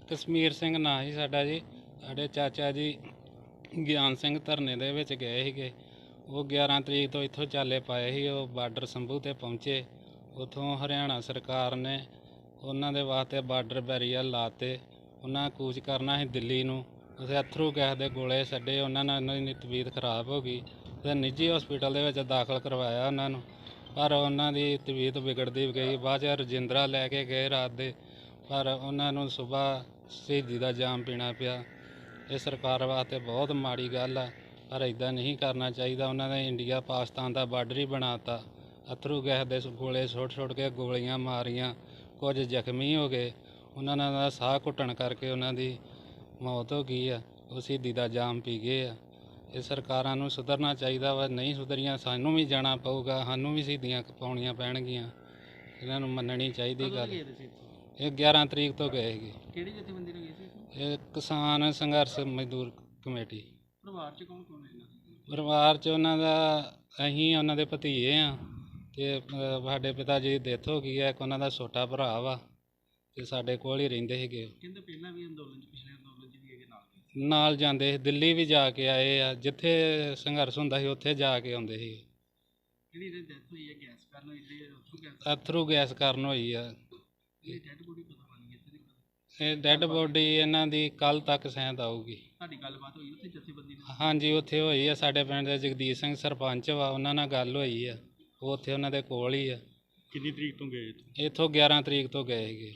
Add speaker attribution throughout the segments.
Speaker 1: ਕਸ਼ਮੀਰ ਸਿੰਘ ਨਾਂ ਸੀ ਸਾਡਾ ਜੀ। ਸਾਡੇ ਚਾਚਾ ਜੀ ਗਿਆਨ ਸਿੰਘ ਧਰਨੇ ਦੇ ਵਿੱਚ ਗਏ ਸੀਗੇ। ਉਹ 11 ਤਰੀਕ ਤੋਂ ਇੱਥੋਂ ਚਾਲੇ ਪਾਏ ਸੀ। ਉਹ ਬਾਰਡਰ ਸੰਭੂ 'ਤੇ ਪਹੁੰਚੇ। ਉੱਥੋਂ ਹਰਿਆਣਾ ਸਰਕਾਰ ਨੇ ਉਹਨਾਂ ਦੇ ਵਾਸਤੇ ਬਾਰਡਰ ਬੈਰੀਅਰ ਲਾਤੇ। ਉਹਨਾਂ ਕੂਚ ਕਰਨਾ ਸੀ ਦਿੱਲੀ ਨੂੰ। ਉੱਥੇ ਅਥਰੂ ਗੈਸ ਦੇ ਗੋਲੇ ਛੱਡੇ। ਉਹਨਾਂ ਨਾਲ ਉਹਨਾਂ ਦੀ ਤਬੀਅਤ ਖਰਾਬ ਹੋ ਗਈ ਅਤੇ ਨਿੱਜੀ ਹਸਪੀਟਲ ਦੇ ਵਿੱਚ ਦਾਖਲ ਕਰਵਾਇਆ ਉਹਨਾਂ ਨੂੰ, ਪਰ ਉਹਨਾਂ ਦੀ ਤਬੀਅਤ ਵਿਗੜਦੀ ਗਈ। ਬਾਅਦ 'ਚ ਰਜਿੰਦਰਾ ਲੈ ਕੇ ਗਏ ਰਾਤ ਦੇ, ਪਰ ਉਹਨਾਂ ਨੂੰ ਸੁਬਾਹ ਸ਼ਹੀਦੀ ਦਾ ਜਾਮ ਪੀਣਾ ਪਿਆ। ਇਹ ਸਰਕਾਰ ਵਾਸਤੇ ਬਹੁਤ ਮਾੜੀ ਗੱਲ ਆ, ਪਰ ਇੱਦਾਂ ਨਹੀਂ ਕਰਨਾ ਚਾਹੀਦਾ। ਉਹਨਾਂ ਨੇ ਇੰਡੀਆ ਪਾਕਿਸਤਾਨ ਦਾ ਬਾਰਡਰ ਹੀ ਬਣਾ ਤਾ। ਅਥਰੂ ਗੈਸ ਦੇ ਗੋਲੇ ਸੁੱਟ ਕੇ ਗੋਲੀਆਂ ਮਾਰੀਆਂ, ਕੁਝ ਜ਼ਖਮੀ ਹੋ ਗਏ। ਉਹਨਾਂ ਦਾ ਸਾਹ ਘੁੱਟਣ ਕਰਕੇ ਉਹਨਾਂ ਦੀ ਮੌਤ ਹੋ ਗਈ ਆ। ਉਹ ਸ਼ਹੀਦੀ ਦਾ ਜਾਮ ਪੀ ਗਏ ਆ। ਇਹ ਸਰਕਾਰਾਂ ਨੂੰ ਸੁਧਰਨਾ ਚਾਹੀਦਾ ਵਾ। ਨਹੀਂ ਸੁਧਰੀਆਂ ਸਾਨੂੰ ਵੀ ਜਾਣਾ ਪਊਗਾ, ਸਾਨੂੰ ਵੀ ਸ਼ਹੀਦੀਆਂ ਪਾਉਣੀਆਂ ਪੈਣਗੀਆਂ। ਇਹਨਾਂ ਨੂੰ ਮੰਨਣੀ ਚਾਹੀਦੀ ਗੱਲ। ਇਹ 11 ਤਰੀਕ ਤੋਂ ਗਏ ਸੀਗੇ।
Speaker 2: ਕਿਹੜੀ ਜਥੇਬੰਦੀ ਨਾਲ ਗਏ ਸੀ?
Speaker 1: ਇਹ ਕਿਸਾਨ ਸੰਘਰਸ਼ ਮਜ਼ਦੂਰ ਕਮੇਟੀ।
Speaker 2: ਪਰਿਵਾਰ 'ਚ ਕੌਣ ਕੌਣ ਹੈ?
Speaker 1: ਪਰਿਵਾਰ 'ਚ ਉਹਨਾਂ ਦਾ ਅਸੀਂ ਉਹਨਾਂ ਦੇ ਭਤੀਜੇ ਆ ਅਤੇ ਸਾਡੇ ਪਿਤਾ ਜੀ ਦੀ ਡੈਥ ਹੋ ਗਈ ਹੈ। ਇੱਕ ਉਹਨਾਂ ਦਾ ਛੋਟਾ ਭਰਾ ਵਾ ਅਤੇ ਸਾਡੇ ਕੋਲ ਹੀ ਰਹਿੰਦੇ ਸੀਗੇ।
Speaker 2: ਕਹਿੰਦੇ ਪਹਿਲਾਂ ਵੀ ਅੰਦੋਲਨ 'ਚ, ਪਿਛਲੇ ਅੰਦੋਲਨ 'ਚ ਵੀ ਇਹਦੇ
Speaker 1: ਨਾਲ ਜਾਂਦੇ ਸੀ। ਦਿੱਲੀ ਵੀ ਜਾ ਕੇ ਆਏ ਆ। ਜਿੱਥੇ ਸੰਘਰਸ਼ ਹੁੰਦਾ ਸੀ ਉੱਥੇ ਜਾ ਕੇ ਆਉਂਦੇ ਸੀ।
Speaker 2: ਜਿਹੜੀ ਇਹਦੀ ਡੈਥ ਹੋਈ ਹੈ ਗੈਸ ਕਾਰਨ ਹੋਈ,
Speaker 1: ਅਥਰੂ ਗੈਸ ਕਾਰਨ ਹੋਈ ਆ।
Speaker 2: ਇਹ ਡੈਡ ਬੋਡੀ ਪਤਾ ਬਣੀ ਇੱਥੇ ਦੀ?
Speaker 1: ਇਹ ਡੈਡ ਬੋਡੀ ਇਹਨਾਂ ਦੀ ਕੱਲ੍ਹ ਤੱਕ ਸ਼ਾਇਦ ਆਊਗੀ।
Speaker 2: ਤੁਹਾਡੀ ਗੱਲਬਾਤ ਹੋਈ ਉੱਥੇ ਜਥੇਬੰਦੀ ਨਾਲ?
Speaker 1: ਹਾਂਜੀ, ਉੱਥੇ ਹੋਈ ਆ। ਸਾਡੇ ਪਿੰਡ ਦੇ ਜਗਦੀਸ਼ ਸਿੰਘ ਸਰਪੰਚ ਵਾ, ਉਹਨਾਂ ਨਾਲ ਗੱਲ ਹੋਈ ਆ। ਉਹ ਉੱਥੇ ਉਹਨਾਂ ਦੇ ਕੋਲ ਹੀ ਆ।
Speaker 2: ਕਿੰਨੀ ਤਰੀਕ ਤੋਂ ਗਏ
Speaker 1: ਇੱਥੋਂ 11 ਤਰੀਕ ਤੋਂ ਗਏ ਸੀਗੇ।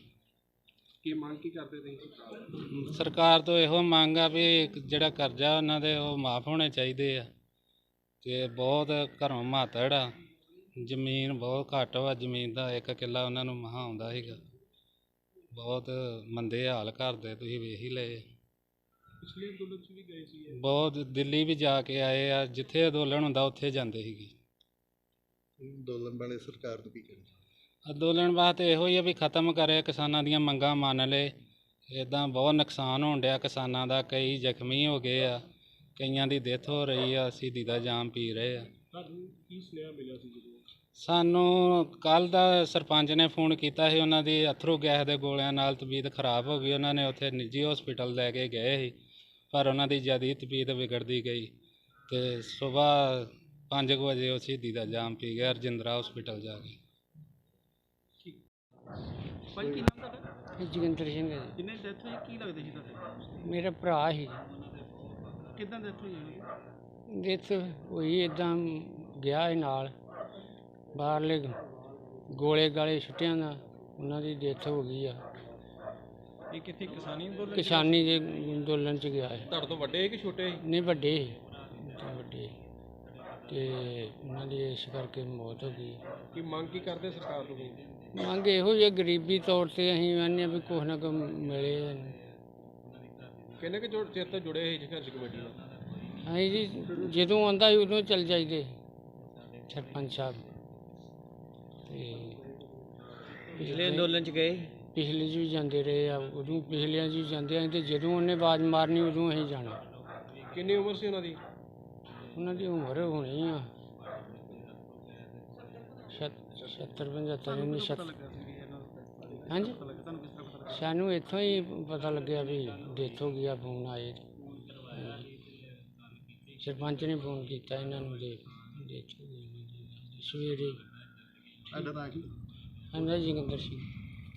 Speaker 2: ਕੀ ਮੰਗ ਕੀ ਕਰਦੇ ਤੁਸੀਂ?
Speaker 1: ਸਰਕਾਰ ਤੋਂ ਇਹੋ ਮੰਗ ਆ ਵੀ ਜਿਹੜਾ ਕਰਜ਼ਾ ਉਹਨਾਂ ਦੇ ਉਹ ਮਾਫ ਹੋਣੇ ਚਾਹੀਦੇ ਆ। ਅਤੇ ਬਹੁਤ ਘਰੋਂ ਮਾਤੜ ਆ। ਜ਼ਮੀਨ ਬਹੁਤ ਘੱਟ ਵਾ। ਜ਼ਮੀਨ ਦਾ 1 ਕਿੱਲਾ ਉਹਨਾਂ ਨੂੰ ਮਹਾਂ ਆਉਂਦਾ ਸੀਗਾ। ਬਹੁਤ ਮੰਦੇ ਹਾਲ ਕਰਦੇ, ਤੁਸੀਂ ਵੇਖ ਹੀ ਲਏ।
Speaker 2: ਪਿਛਲੇ ਅੰਦੋਲਨ 'ਚ ਵੀ ਗਏ ਸੀ?
Speaker 1: ਬਹੁਤ। ਦਿੱਲੀ ਵੀ ਜਾ ਕੇ ਆਏ ਆ। ਜਿੱਥੇ ਅੰਦੋਲਨ ਹੁੰਦਾ ਉੱਥੇ ਜਾਂਦੇ ਸੀਗੇ।
Speaker 3: ਅੰਦੋਲਨ ਵਾਲੇ ਸਰਕਾਰ ਨੂੰ ਕੀ ਕਹਿਣਾ?
Speaker 1: ਅੰਦੋਲਨ ਵਾਸਤੇ ਇਹੋ ਹੀ ਆ ਵੀ ਖਤਮ ਕਰੇ, ਕਿਸਾਨਾਂ ਦੀਆਂ ਮੰਗਾਂ ਮੰਨ ਲਏ। ਇੱਦਾਂ ਬਹੁਤ ਨੁਕਸਾਨ ਹੋਣ ਡਿਆ ਕਿਸਾਨਾਂ ਦਾ। ਕਈ ਜ਼ਖਮੀ ਹੋ ਗਏ ਆ, ਕਈਆਂ ਦੀ ਡੈਥ ਹੋ ਰਹੀ ਆ, ਸ਼ਹੀਦੀ ਦਾ ਜਾਮ ਪੀ ਰਹੇ ਆ।
Speaker 2: ਤੁਹਾਨੂੰ ਕੀ ਸੁਨੇਹਾ ਮਿਲਿਆ ਸੀ ਜਦੋਂ?
Speaker 1: ਸਾਨੂੰ ਕੱਲ੍ਹ ਦਾ ਸਰਪੰਚ ਨੇ ਫੋਨ ਕੀਤਾ ਸੀ। ਉਹਨਾਂ ਦੀ ਅਥਰੂ ਗੈਸ ਦੇ ਗੋਲਿਆਂ ਨਾਲ ਤਬੀਅਤ ਖਰਾਬ ਹੋ ਗਈ। ਉਹਨਾਂ ਨੇ ਉੱਥੇ ਨਿੱਜੀ ਹਸਪੀਟਲ ਲੈ ਕੇ ਗਏ ਸੀ, ਪਰ ਉਹਨਾਂ ਦੀ ਜ਼ਿਆਦਾ ਤਬੀਅਤ ਵਿਗੜਦੀ ਗਈ ਅਤੇ ਸੁਬਾਹ 5 ਵਜੇ ਉਹ ਸ਼ਹੀਦੀ ਦਾ ਜਾਮ ਪੀ ਗਿਆ ਰਜਿੰਦਰਾ ਹਸਪੀਟਲ ਜਾ ਕੇ।
Speaker 2: ਭਾਈ ਕੀ ਨਾਮ ਤੁਹਾਡਾ?
Speaker 4: ਜੋਗਿੰਦਰ ਸਿੰਘ ਹੈ ਜੀ।
Speaker 2: ਕਿੰਨੇ ਡੈਥ ਹੋਈ, ਕੀ ਲੱਗਦੇ ਸੀ ਤੁਹਾਡੇ?
Speaker 4: ਮੇਰਾ ਭਰਾ ਸੀ।
Speaker 2: ਕਿੱਦਾਂ ਡੈਥ ਹੋਈ ਉਹਦੀ?
Speaker 4: ਡੈਥ ਹੋਈ ਇੱਦਾਂ ਗਿਆ ਸੀ ਨਾਲ, ਬਾਹਰਲੇ ਗੋਲੇ ਗਾਲੇ ਛੁੱਟਿਆਂ ਦਾ ਉਹਨਾਂ ਦੀ ਡੈਥ ਹੋ ਗਈ ਆ।
Speaker 2: ਇਹ ਕਿੱਥੇ ਕਿਸਾਨੀ ਅੰਦੋਲਨ?
Speaker 4: ਕਿਸਾਨੀ ਦੇ ਅੰਦੋਲਨ 'ਚ ਗਿਆ ਹੈ।
Speaker 2: ਤੁਹਾਡੇ ਤੋਂ ਵੱਡੇ ਕਿ ਛੋਟੇ?
Speaker 4: ਨਹੀਂ, ਵੱਡੇ ਵੱਡੇ, ਅਤੇ ਉਹਨਾਂ ਦੀ ਇਸ ਕਰਕੇ ਮੌਤ ਹੋ ਗਈ।
Speaker 2: ਕੀ ਮੰਗ ਕੀ ਕਰਦੇ ਸਰਕਾਰ ਤੋਂ?
Speaker 4: ਮੰਗ ਇਹੋ ਜਿਹੀ ਗਰੀਬੀ ਤੌਰ 'ਤੇ ਅਸੀਂ ਕਹਿੰਦੇ ਹਾਂ ਵੀ ਕੁਛ ਨਾ ਕੁਛ ਮਿਲੇ।
Speaker 2: ਕਿੰਨੇ ਕੁ ਚਿਰ ਤੋਂ ਜੁੜੇ ਸੀ ਸੰਘਰਸ਼ ਕਮੇਟੀ ਨਾਲ?
Speaker 4: ਅਸੀਂ ਜੀ ਜਦੋਂ ਆਉਂਦਾ ਸੀ ਉਦੋਂ ਚੱਲ ਜਾਈਦੇ ਸਰਪੰਚ ਸਾਹਿਬ। ਅਤੇ
Speaker 2: ਪਿਛਲੇ ਅੰਦੋਲਨ 'ਚ ਗਏ?
Speaker 4: ਪਿਛਲੇ 'ਚ ਵੀ ਜਾਂਦੇ ਰਹੇ ਆ। ਉਦੋਂ ਪਿਛਲਿਆਂ 'ਚ ਵੀ ਜਾਂਦੇ ਆ ਅਤੇ ਜਦੋਂ ਉਹਨੇ ਆਵਾਜ਼ ਮਾਰਨੀ ਉਦੋਂ ਅਸੀਂ ਜਾਣਾ।
Speaker 2: ਕਿੰਨੀ ਉਮਰ ਸੀ ਉਹਨਾਂ ਦੀ?
Speaker 4: ਉਹਨਾਂ ਦੀ ਉਮਰ ਹੋਣੀ ਆ 70-75। ਹਾਂਜੀ, ਸਾਨੂੰ ਇੱਥੋਂ ਹੀ ਪਤਾ ਲੱਗਿਆ ਵੀ ਡੈਥ ਹੋ ਗਈ ਆ। ਫੋਨ ਆਏ, ਸਰਪੰਚ ਨੇ ਫੋਨ ਕੀਤਾ ਇਹਨਾਂ ਨੂੰ ਦੇ ਡੈਥ ਹੋ ਗਈ ਸਵੇਰੇ।
Speaker 3: ਤੁਹਾਡਾ ਨਾਂ ਕੀ?
Speaker 4: ਹਾਂਜੀ, ਜੋਗਿੰਦਰ ਸਿੰਘ।